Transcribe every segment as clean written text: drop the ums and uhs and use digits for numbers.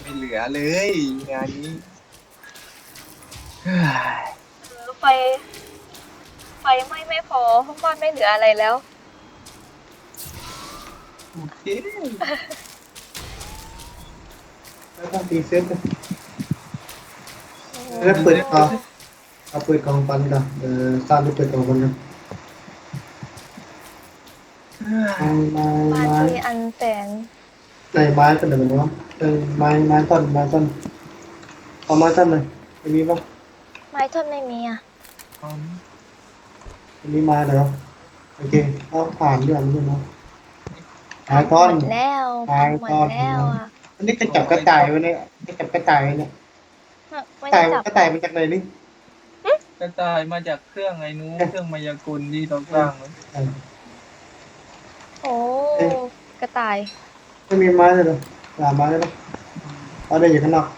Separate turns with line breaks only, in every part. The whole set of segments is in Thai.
ไม่เหลือเลยงานนี้เฮ้ย
ไฟไฟไหม้ไม่พอห้องบ้านไม่เหลืออะไรแล้ว
โอเค
แล้วต้องตีเซ็ตนะ
โอ้
แล้วเปิด
โห
เอาเปิดกล่องปันก่อนสร้างไปเปิดกล่องปันกัน
บ้าน
ไม้
ที่อันแสน
ในไม้กันเดี๋ยวนะไม้ต้นเอาไม้ต้นเลยไม่มีปะ
ไม้ท่อนไม่มีอ่ะ
เอา
ไม่มีไม้เหรอโอเคเอาผ่านด้วยมันด้วยนะไม้
พังห
ต้น
มดแล้ว
ไม้
พังหมด
ต้น
แล้วอ่ะ
อันนี้กระจับกระต่ายไว้เนี่ยกระจับกระต่ายเนี่ย
ไม่
กระต่าย
ได้จับ
กระต่ายมาจากไหนนี่
กระต่ายมาจากเครื่องไอ้นู้นเครื่องมายากลที่เราสร้างไว้
โอ้กระต่าย
ไม่มีไม้เลยเหรอหาไม้ได้ปะเอาได้อยู่ข้างนอก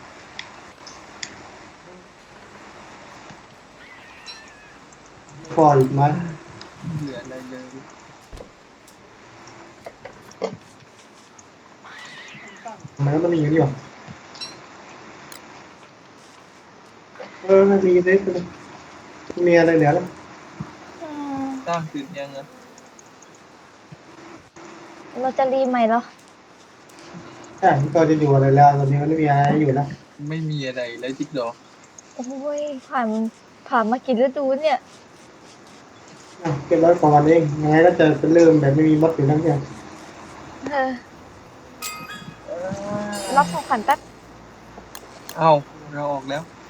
พออีกไม้
ไม่เหลืออะไรเลย
ไม้มันมีอยู่นี่หว่าไม่มีเลยมีอะไรเหลือแล้ว
อืม
สร้างเสร็จยังอ่ะ
เราจะรีใหม่เหรอ
ใช่ก็จะอยู่อะไรแล้วตอนนี้มันไม่มีอะไรอยู่แล้ว
ไม่มีอะไรเลยจิ๊กดอก
โอ้ยผ่านมากี่ฤดูเนี่ย
เป็นร้อยกว่าวันเองยังไงก็จะเป็นเริ่มแบบไม่มีมดอยู่ทั้งเดียว
เออรับของขวัญแป๊บ
เอ้าเราออกแล้ว